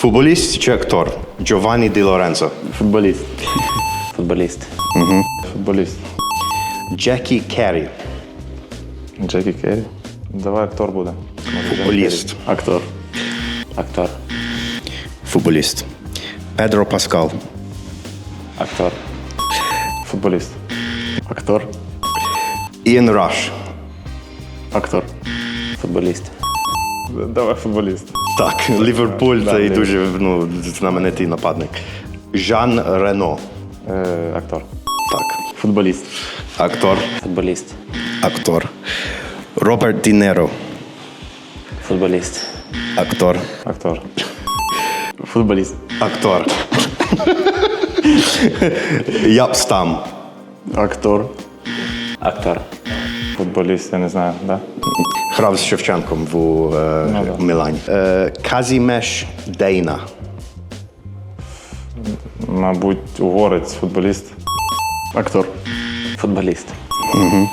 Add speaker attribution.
Speaker 1: Футболіст чи актор? Джованні Ді Лоренцо.
Speaker 2: Футболіст.
Speaker 3: Футболіст.
Speaker 2: Футболіст.
Speaker 1: Джекі Керрі.
Speaker 2: Джекі Керрі. Давай актор буде. Може, Джекі
Speaker 1: Футболіст.
Speaker 2: Керрі. Актор.
Speaker 3: Актор.
Speaker 1: Футболіст. Педро Паскал.
Speaker 3: Актор.
Speaker 2: Футболіст. Актор.
Speaker 1: Іан Раш.
Speaker 2: Актор.
Speaker 3: Футболіст.
Speaker 2: Давай футболіст.
Speaker 1: Так, Ліверпуль
Speaker 2: Да,
Speaker 1: це і
Speaker 2: Ліверпуль.
Speaker 1: дуже знаменитий нападник. Жан Рено.
Speaker 2: Актор.
Speaker 1: Так.
Speaker 2: Футболіст.
Speaker 1: Актор.
Speaker 3: Футболіст.
Speaker 1: Актор. Роберт Ді Неро.
Speaker 3: Футболіст.
Speaker 1: Актор.
Speaker 2: Актор. Футболіст.
Speaker 1: Актор. Япстам.
Speaker 2: Актор.
Speaker 3: Актор.
Speaker 2: Футболіст, я не знаю, да?
Speaker 1: Грав з Шевченком в
Speaker 2: да.
Speaker 1: Мілані. Казімеш Дейна.
Speaker 2: Мабуть, угорець, футболіст. Актор.
Speaker 3: Футболіст.